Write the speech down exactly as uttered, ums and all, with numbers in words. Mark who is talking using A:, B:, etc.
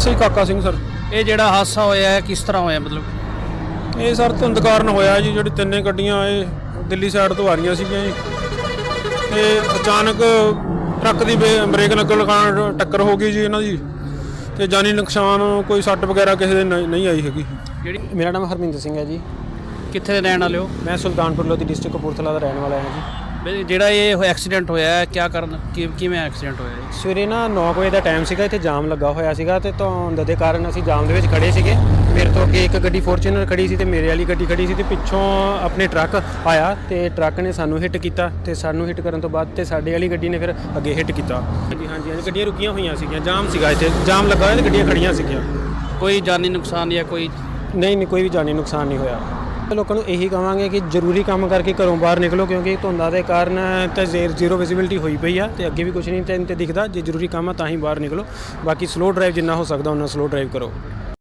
A: SI ਕਾਕਾ Singh sir.
B: ਇਹ ਜਿਹੜਾ ਹਾਦਸਾ ਹੋਇਆ ਹੈ ਕਿਸ ਤਰ੍ਹਾਂ ਹੋਇਆ ਮਤਲਬ?
A: ਇਹ ਸਰ ਧੁੰਦ ਕਾਰਨ ਹੋਇਆ ਜੀ। ਜਿਹੜੀ ਤਿੰਨੇ ਗੱਡੀਆਂ ਇਹ ਦਿੱਲੀ ਸਾਈਡ ਤੋਂ ਆ ਰਹੀਆਂ ਸੀਗੀਆਂ ਜੀ ਤੇ ਅਚਾਨਕ ਟਰੱਕ ਦੀ ਬ੍ਰੇਕ ਲੱਗਣ ਕਾਰਨ ਟੱਕਰ ਹੋ ਗਈ ਜੀ ਇਹਨਾਂ ਦੀ ਤੇ ਜਾਨੀ ਨੁਕਸਾਨ ਕੋਈ ਸੱਟ ਵਗੈਰਾ ਕਿਸੇ ਦੇ ਨਹੀਂ ਨਹੀਂ ਆਈ ਹੈਗੀ।
B: ਜਿਹੜੀ
C: ਮੇਰਾ ਨਾਮ ਹਰਮਿੰਦਰ ਸਿੰਘ ਹੈ ਜੀ।
B: ਕਿੱਥੇ ਦੇ ਰਹਿਣ ਵਾਲੇ ਹੋ?
C: ਮੈਂ ਸੁਲਤਾਨਪੁਰ ਲੋਧੀ ਡਿਸਟ੍ਰਿਕਟ ਕਪੂਰਥਲਾ ਦਾ ਰਹਿਣ ਵਾਲਾ ਹਾਂ ਜੀ।
B: ਵੀ ਜਿਹੜਾ ਇਹ ਐਕਸੀਡੈਂਟ ਹੋਇਆ ਹੈ ਕਿਆ ਕਾਰਨ ਕਿ- ਕਿਵੇਂ ਐਕਸੀਡੈਂਟ ਹੋਇਆ ਹੈ?
C: ਸਵੇਰੇ ਨਾ ਨੌ ਵਜੇ ਦਾ ਟਾਈਮ ਸੀਗਾ, ਇੱਥੇ ਜਾਮ ਲੱਗਾ ਹੋਇਆ ਸੀਗਾ ਤੇ ਧੁੰਦ ਦੇ ਕਾਰਨ ਅਸੀਂ ਜਾਮ ਦੇ ਵਿੱਚ ਖੜੇ ਸੀਗੇ। ਮੇਰੇ ਤੋਂ ਅੱਗੇ ਇੱਕ ਗੱਡੀ ਫੋਰਚੂਨਰ ਖੜੀ ਸੀ ਤੇ ਮੇਰੇ ਵਾਲੀ ਗੱਡੀ ਖੜੀ ਸੀ ਤੇ ਪਿੱਛੋਂ ਆਪਣੇ ਟਰੱਕ ਆਇਆ ਤੇ ਟਰੱਕ ਨੇ ਸਾਨੂੰ ਹਿੱਟ ਕੀਤਾ ਤੇ ਸਾਨੂੰ ਹਿੱਟ ਕਰਨ ਤੋਂ ਬਾਅਦ ਤੇ ਸਾਡੇ ਵਾਲੀ ਗੱਡੀ ਨੇ ਫਿਰ ਅੱਗੇ ਹਿੱਟ ਕੀਤਾ। ਹਾਂਜੀ ਹਾਂਜੀ ਹਾਂਜੀ ਗੱਡੀਆਂ ਰੁਕੀਆਂ ਹੋਈਆਂ ਸੀਗੀਆਂ, ਜਾਮ ਸੀਗਾ ਇੱਥੇ, ਜਾਮ ਲੱਗਾ ਹੋਇਆ ਤੇ ਗੱਡੀਆਂ ਖੜੀਆਂ ਸੀਗੀਆਂ।
B: ਕੋਈ ਜਾਨੀ ਨੁਕਸਾਨ ਜਾਂ ਕੋਈ?
C: ਨਹੀਂ ਨਹੀਂ ਕੋਈ ਵੀ ਜਾਨੀ ਨੁਕਸਾਨ ਨਹੀਂ ਹੋਇਆ। ਲੋਕਾਂ ਨੂੰ ਇਹੀ ਕਹਾਂਗੇ ਕਿ ਜ਼ਰੂਰੀ ਕੰਮ ਕਰਕੇ ਘਰੋਂ ਬਾਹਰ ਨਿਕਲੋ, ਕਿਉਂਕਿ ਧੁੰਦਾਂ ਦੇ ਕਾਰਨ ਤਾਂ ਜ਼ੀਰੋ ਵਿਜ਼ਿਬਿਲਿਟੀ ਹੋਈ ਪਈ ਆ ਤੇ ਅੱਗੇ ਵੀ ਕੁਝ ਨਹੀਂ ਤੇ ਦਿਖਦਾ। ਜੇ ਜ਼ਰੂਰੀ ਕੰਮ ਆ ਤਾਂ ਹੀ ਬਾਹਰ ਨਿਕਲੋ, ਬਾਕੀ ਸਲੋ ਡਰਾਈਵ ਜਿੰਨਾ ਹੋ ਸਕਦਾ ਉਹਨਾਂ ਸਲੋ ਡਰਾਈਵ ਕਰੋ।